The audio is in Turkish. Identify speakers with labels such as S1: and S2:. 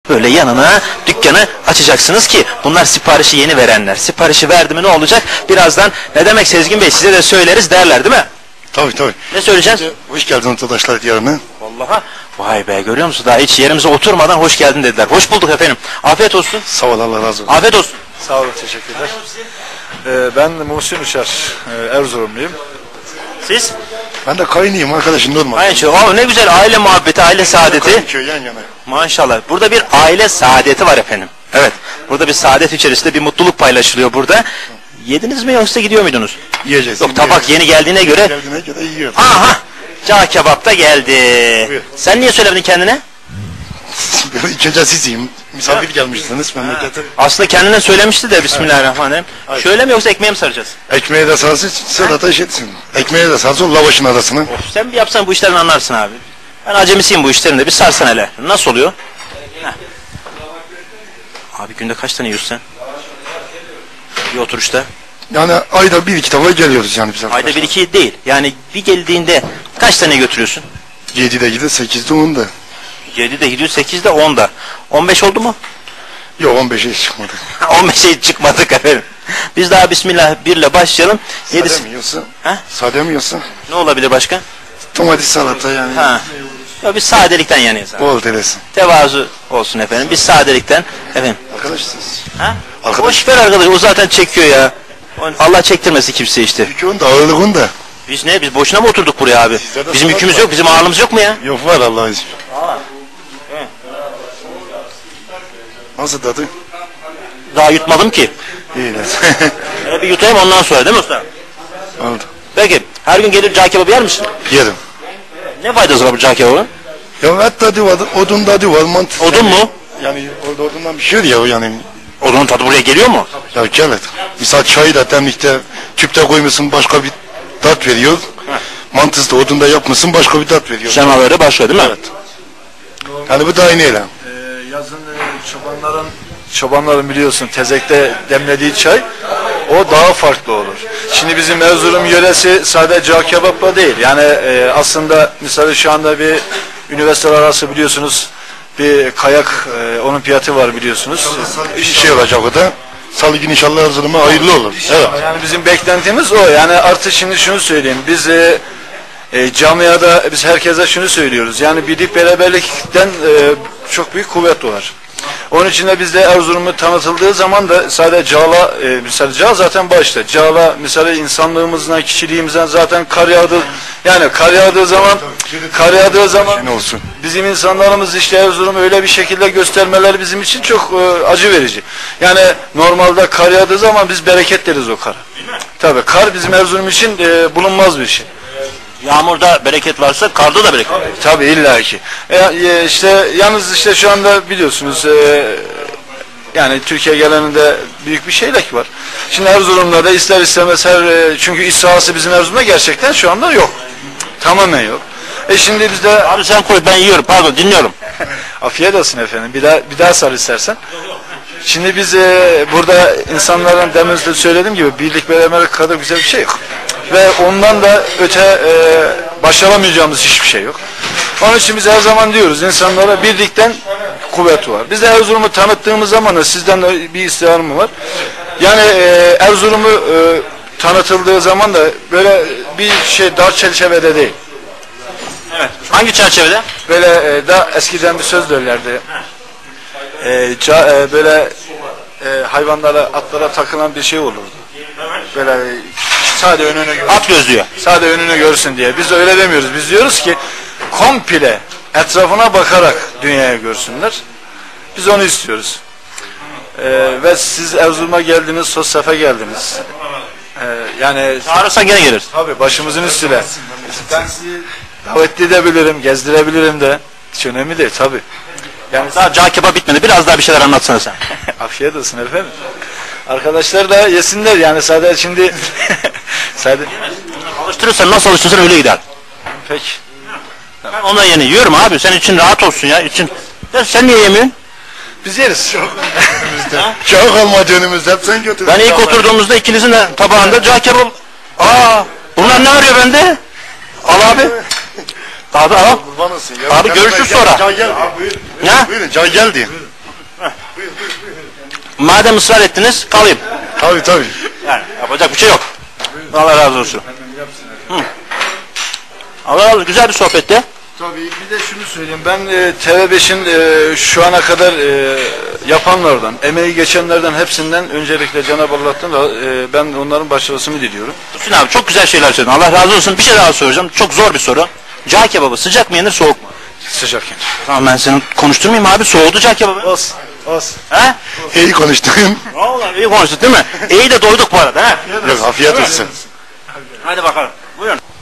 S1: Böyle yanına dükkanı açacaksınız ki bunlar siparişi yeni verenler. Siparişi verdi mi ne olacak? Birazdan ne demek Sezgin Bey size de söyleriz derler değil mi?
S2: Tabii.
S1: Ne söyleyeceğiz?
S2: Hoş geldin arkadaşlar diyarına.
S1: Vallahi vay be görüyor musun? Daha hiç yerimize oturmadan hoş geldin dediler. Hoş bulduk efendim. Afiyet olsun.
S2: Sağ ol, Allah razı olsun.
S1: Afiyet olsun.
S3: Sağ olun, teşekkürler. Ben Muhsin Uçar, Erzurumluyum.
S1: Siz?
S2: Ben de kayınıyım arkadaşın normal.
S1: Aynı şey. Ne güzel aile muhabbeti, aile saadeti.
S2: Köy yan yana.
S1: Maşallah. Burada bir aile saadeti var efendim. Evet. Burada bir saadet içerisinde bir mutluluk paylaşılıyor burada. Yediniz mi yoksa gidiyor muydunuz?
S2: Yiyeceğiz.
S1: Yok tabak yeni geldiğine göre.
S2: Geldiğine göre yiyoruz.
S1: Aha! Cağ kebap da geldi.
S2: Buyur.
S1: Sen niye söylemedin kendine?
S2: İlk önce siziyim. Misafir gelmişsiniz memlekete.
S1: Aslında kendine söylemişti de Bismillahirrahmanirrahim.
S2: Evet.
S1: Şöyle mi yoksa ekmeğe mi saracağız?
S2: Ekmeğe de sarsın, salata işetsin. Ekmeğe de sarsın, lavaşın arasını.
S1: Of, sen bir yapsan bu işlerden anlarsın abi. Ben acemisiyim bu işlerin de bir sarsan hele. Nasıl oluyor? Heh. Abi günde kaç tane yiyorsun sen? Bir oturuşta.
S2: Yani ayda bir iki defa geliyoruz yani biz arkadaşlar.
S1: Ayda bir iki değil. Yani bir geldiğinde kaç tane götürüyorsun?
S2: 7'de gidiyor, 8'de 10'da.
S1: 7'de gidiyor, 8'de 10'da. 15 oldu mu?
S2: Yok 15'e hiç çıkmadı.
S1: 15'e hiç çıkmadık efendim. Biz daha Bismillah 1 ile başlayalım.
S2: Sade mi yiyorsun?
S1: Ha?
S2: Sade mi yiyorsun?
S1: Ne olabilir başka?
S2: Domates salata yani.
S1: Ha. Ya biz sadelikten yanıyız abi.
S2: Bol teresin.
S1: Tevazu olsun efendim. Biz sadelikten efendim.
S2: Arkadaşsınız.
S1: Ha?
S2: Arkadaş.
S1: Boş ver arkadaş. O zaten çekiyor ya. Allah çektirmesi kimse işte.
S2: Yükü onda, ağırlık onda.
S1: Biz ne? Biz boşuna mı oturduk buraya abi?
S2: Sizde de
S1: Bizim
S2: sanat
S1: yükümüz
S2: var.
S1: yok. Bizim ağırlığımız yok mu ya?
S2: Yok var Allah'ın izniyle. Nasıl tadı?
S1: Daha yutmadım ki.
S2: İyi de.
S1: Böyle bir yutayım ondan sonra değil mi usta?
S2: Oldu.
S1: Peki. Her gün gelir cağ kebabı yer misin?
S2: Yerim.
S1: Ne faydası var bu cağ kebabı?
S2: Ya et tadı var, odun tadı var, mantı.
S1: Odun mu?
S2: Yani orada odundan bir şey ya o yani.
S1: Odunun tadı buraya geliyor mu?
S2: Ya gel et. Misal çayı da demlikte, tüpte koymuşsun başka bir tat veriyor. Mantısı da odunda yapmışsın başka bir tat veriyor.
S1: Semaları başlıyor değil mi?
S2: Evet. Yani bu da aynı eylem.
S3: Yazın çobanların biliyorsun tezekte demlediği çay, o daha farklı olur. Şimdi bizim Erzurum yöresi sadece cağ kebapla değil. Yani aslında mesela şu anda bir üniversiteler arası biliyorsunuz bir kayak olimpiyatı var biliyorsunuz.
S2: Bir şey olacak o da. Salı günü inşallah Erzurum'a hayırlı olur. Evet.
S3: Yani bizim beklentimiz o. Yani artık şimdi şunu söyleyeyim. Biz camiada biz herkese şunu söylüyoruz. Yani birlik beraberlikten çok büyük kuvvet doğar. Onun için de bizde Erzurum'u tanıtıldığı zaman da sadece Cağla, mesela Cağ zaten başta. Cağla mesela insanlığımızdan, kişiliğimizden zaten kar yağdı. Yani kar yağdığı zaman
S2: Ne olsun?
S3: bizim insanlarımız işte Erzurum'u öyle bir şekilde göstermeleri bizim için çok acı verici. Yani normalde kar yağdığı zaman biz bereket deriz o kara. Tabii kar bizim Erzurum için bulunmaz bir şey.
S1: Yağmurda bereket varsa karda da bereket var.
S3: Tabii illaki. İşte yalnız işte şu anda biliyorsunuz yani Türkiye geleninde büyük bir şeylik var. Şimdi Erzurum'da da ister istemez çünkü iş sahası bizim Erzurum'da gerçekten şu anda yok. Tamamen yok. Şimdi bizde
S1: Abi sen koy ben yiyorum pardon dinliyorum.
S3: afiyet olsun efendim. Bir daha sar istersen. Şimdi biz burada insanların demin de söylediğim gibi birlik beraberlik kadar güzel bir şey yok. Ve ondan da öte başaramayacağımız hiçbir şey yok. Onun için biz her zaman diyoruz insanlara birlikten kuvvet var. Biz de Erzurum'u tanıttığımız zaman da sizden de bir istiharım var. Yani Erzurum'u tanıtıldığı zaman da böyle bir şey dar çerçevede değil.
S1: Evet. Hangi çerçevede?
S3: Böyle daha eskiden bir söz derlerdi. Böyle hayvanlara, atlara takılan bir şey olurdu. Böyle sadece önünü görsün.
S1: At gözlüyor.
S3: Sadece önünü görsün diye. Biz öyle demiyoruz. Biz diyoruz ki komple etrafına bakarak dünyayı görsünler. Biz onu istiyoruz. Ve siz Erzurum'a geldiniz, Sossefe geldiniz. Yani
S1: Çağırırsan gene gelir.
S3: tabii başımızın üstüne. Ben sizi davet edebilirim, gezdirebilirim de. Hiç önemli değil tabii. Yani
S1: Daha cağ kebap bitmedi. Biraz daha bir şeyler anlatsana sen.
S3: afiyet olsun efendim. Arkadaşlar da yesinler yani sadece şimdi sadece
S1: Alıştırırsan nasıl alıştırırsan öyle gider.
S3: peki.
S1: Ben ondan yeni yiyorum abi. Senin için rahat olsun ya. Ya sen niye yemiyorsun?
S3: Biz yeriz.
S2: Çağ kalmadı önümüzde, hep sen götür.
S1: Ben ilk oturduğumuzda ikinizin de tabağında cağ kebap. Bunlar ne arıyor bende? Al abi. Abi al.
S2: Kurban olsun ya.
S1: Abi görüşürüz sonra.
S2: Çay geldi.
S1: Ne?
S2: Buyurun çay geldi.
S1: madem ısrar ettiniz kalayım.
S2: Tabii.
S1: Yani yapacak bir şey yok. Allah razı olsun. Hı. Allah Allah, güzel bir sohbetti.
S3: Tabii bir de şunu söyleyeyim. Ben TV5'in şu ana kadar yapanlardan, emeği geçenlerden hepsinden öncelikle Cenab-ı Allah'tan ben onların başarısını diliyorum.
S1: Hüsnü abi çok güzel şeyler söyledin. Allah razı olsun. Bir şey daha soracağım. Çok zor bir soru. Cağ kebabı sıcak mı yenir soğuk mu?
S3: Sıcak yenir.
S1: Tamam ben seni konuşturmayayım abi. Soğudu cağ kebabı.
S3: Olsun.
S1: He?
S2: İyi konuştun.
S1: Vallahi iyi konuştuk değil mi? İyi de doyduk bu arada. He?
S2: Yok, afiyet olsun.
S1: Hadi bakalım. Buyurun.